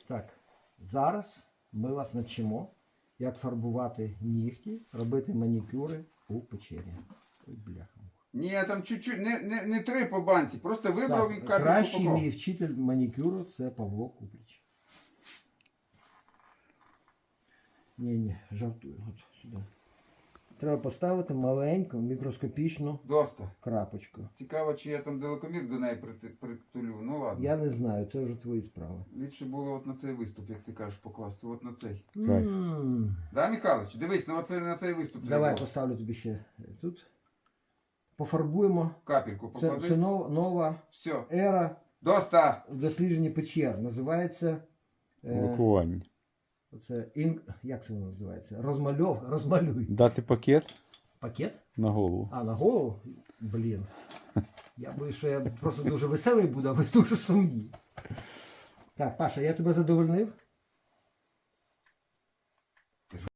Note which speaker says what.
Speaker 1: Так, зараз ми вас навчимо, як фарбувати нігті, робити манікюри у печері. Ой, бляха.
Speaker 2: Ні, там чуть-чуть, не 3 по банці, просто вибрав і
Speaker 1: Так,
Speaker 2: капельку
Speaker 1: кращий
Speaker 2: поклав.
Speaker 1: мій вчитель манікюру це Павло Купліч. Ні, жартую. От сюди. Треба поставити маленьку мікроскопічну
Speaker 2: Доста.
Speaker 1: крапочку.
Speaker 2: Цікаво, чи я там далекомір до неї притулю. Ну ладно.
Speaker 1: Я не знаю, це вже твої справи.
Speaker 2: Ліпше було от на цей виступ, як ти кажеш, покласти. От на цей.
Speaker 3: Кайф.
Speaker 2: Да, Михайлович? Дивись, на цей виступ
Speaker 1: Давай
Speaker 2: треба.
Speaker 1: поставлю тобі ще тут. Пофарбуємо.
Speaker 2: Капельку поклади.
Speaker 1: Це нова
Speaker 2: Все.
Speaker 1: ера
Speaker 2: Доста!
Speaker 1: в дослідженні печер. Називається.
Speaker 3: Блокування.
Speaker 1: Як це воно називається? Розмалюй.
Speaker 3: Дати пакет
Speaker 1: Пакет?
Speaker 3: на голову.
Speaker 1: А, на голову? Блін. Я боюсь, що я просто дуже веселий буду, а ви дуже сумні. Так, Паша, я тебе задовольнив?